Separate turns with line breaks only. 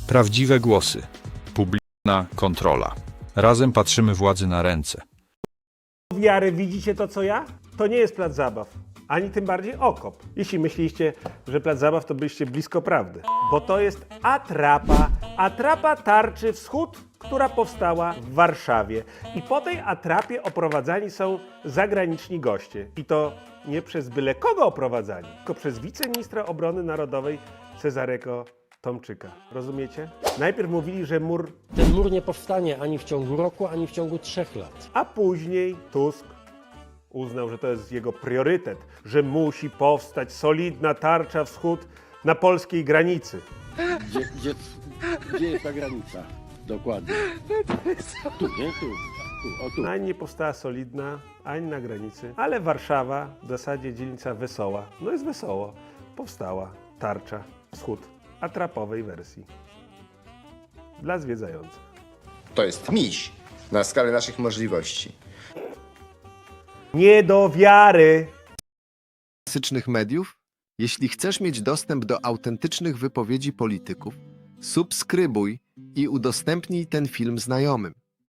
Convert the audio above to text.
Prawdziwe głosy. Publiczna kontrola. Razem patrzymy władzy na ręce.
Wiary, widzicie to co ja? To nie jest plac zabaw, ani tym bardziej okop. Jeśli myśliście, że plac zabaw, to byliście blisko prawdy. Bo to jest atrapa. Atrapa tarczy Wschód, która powstała w Warszawie. I po tej atrapie oprowadzani są zagraniczni goście. I to nie przez byle kogo oprowadzani, tylko przez wiceministra obrony narodowej Cezarego Tomczyka. Rozumiecie? Najpierw mówili, że mur,
Ten mur nie powstanie ani w ciągu roku, ani w ciągu 3 lat.
a później Tusk uznał, że to jest jego priorytet, że musi powstać solidna tarcza Wschód na polskiej granicy.
Gdzie jest ta granica? Dokładnie. Tu, nie? Tu. O tu.
Ani nie powstała solidna, ani na granicy, ale Warszawa, w zasadzie dzielnica Wesoła, no jest wesoło, powstała tarcza Wschód atrapowej wersji dla zwiedzających.
To jest miś na skalę naszych możliwości.
Nie do wiary!
Klasycznych mediów? Jeśli chcesz mieć dostęp do autentycznych wypowiedzi polityków, subskrybuj i udostępnij ten film znajomym.